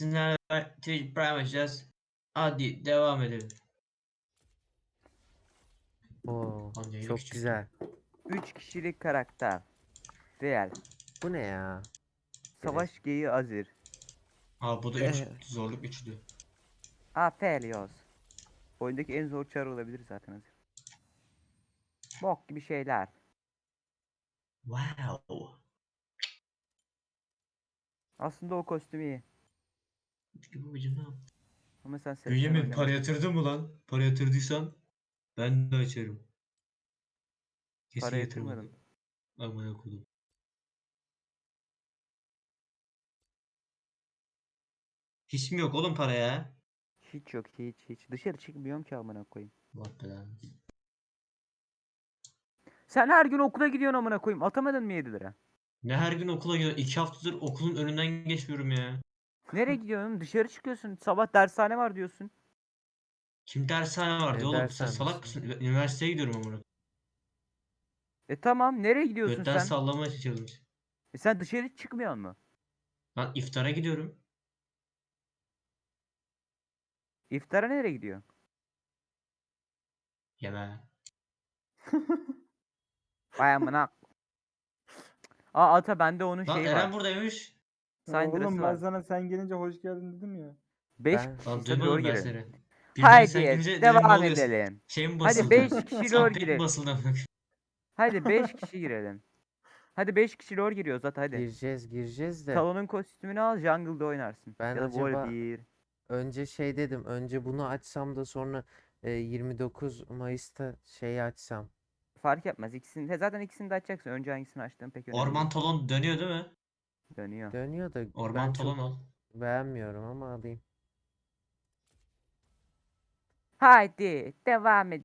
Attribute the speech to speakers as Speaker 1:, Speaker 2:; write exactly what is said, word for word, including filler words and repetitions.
Speaker 1: sizlerle Twitch Prime açacağız. Hadi devam edelim.
Speaker 2: Oo,
Speaker 1: Lan yayını
Speaker 2: çok
Speaker 1: küçülttüm.
Speaker 2: güzel.
Speaker 3: üç kişilik karakter. Real.
Speaker 2: Bu ne ya?
Speaker 3: Savaş geyiği Azir.
Speaker 1: Aa bu da üç
Speaker 2: Eh.
Speaker 1: zorluk üçlü.
Speaker 3: Aphelios. Oyundaki en zor çar olabilir zaten Azir. Bok gibi şeyler.
Speaker 1: Wow.
Speaker 3: Aslında o kostüm iyi.
Speaker 1: Çünkü babacım ne yaptı?
Speaker 3: Ama sen sesler
Speaker 1: Bünyamin
Speaker 3: oynama.
Speaker 1: para yatırdın mı lan? Para yatırdıysan ben de açarım. Kesin
Speaker 3: Para
Speaker 1: yatırmadı.
Speaker 3: yatırmadım.
Speaker 1: Amına koydum. Hiç mi yok oğlum para ya?
Speaker 3: Hiç yok hiç hiç. Dışarı çıkmıyorum ki amına koyayım.
Speaker 1: Allah belanı.
Speaker 3: Sen her gün okula gidiyorsun amına koyayım. Atamadın mı yedi lira?
Speaker 1: Ne her gün okula gidiyorum. İki haftadır okulun önünden geçmiyorum ya.
Speaker 3: Nereye gidiyorsun? Dışarı çıkıyorsun. Sabah dershane var diyorsun.
Speaker 1: Kim dershane var
Speaker 2: Ne
Speaker 1: diyor oğlum. Sen
Speaker 2: dershanesi?
Speaker 1: salak mısın? Üniversiteye gidiyorum amına.
Speaker 3: E tamam nereye gidiyorsun
Speaker 1: Götten
Speaker 3: sen?
Speaker 1: sallamaya çalışıyorum.
Speaker 3: E sen dışarı çıkmıyorsun mu?
Speaker 1: Lan iftara gidiyorum.
Speaker 3: İftara nereye gidiyorsun?
Speaker 1: Yeme.
Speaker 3: Vay amına. Aa ata bende onun
Speaker 1: Lan
Speaker 3: şeyi
Speaker 1: Eren
Speaker 3: var.
Speaker 1: buradaymış.
Speaker 3: Syndra'sı
Speaker 4: Oğlum ben
Speaker 3: var.
Speaker 4: sana sen gelince hoş geldin dedim ya.
Speaker 3: beş
Speaker 2: Ben-
Speaker 3: kişi
Speaker 1: Lan
Speaker 3: hadi rol
Speaker 1: duymadım ben
Speaker 3: girelim.
Speaker 1: seni. Birbirine sen
Speaker 3: Haydi
Speaker 1: girince dedim ne
Speaker 3: devam
Speaker 1: oluyor?
Speaker 3: edelim.
Speaker 1: Şey mi
Speaker 3: Hadi
Speaker 1: basıldı?
Speaker 3: beş kişi rol
Speaker 1: Update mi
Speaker 3: girelim.
Speaker 1: basıldı amına?
Speaker 3: Hadi beş kişi girelim. Hadi beş kişi rol giriyoruz zaten hadi.
Speaker 2: Gireceğiz gireceğiz de.
Speaker 3: Salonun kostümünü al jungle'da oynarsın.
Speaker 2: Ben
Speaker 3: ya da
Speaker 2: acaba-
Speaker 3: Vol bir.
Speaker 2: Önce şey dedim. Önce bunu açsam da sonra e, yirmi dokuz Mayıs'ta şey açsam.
Speaker 3: Fark etmez. İkisini, he, zaten ikisini de açacaksın. Önce hangisini açtığın pek önemli
Speaker 1: Orman
Speaker 3: değil.
Speaker 1: talon dönüyor değil mi?
Speaker 3: Dönüyor.
Speaker 2: Dönüyor da
Speaker 1: Orman
Speaker 2: ben
Speaker 1: talon
Speaker 2: çok
Speaker 1: al.
Speaker 2: beğenmiyorum ama alayım.
Speaker 3: Haydi devam edelim.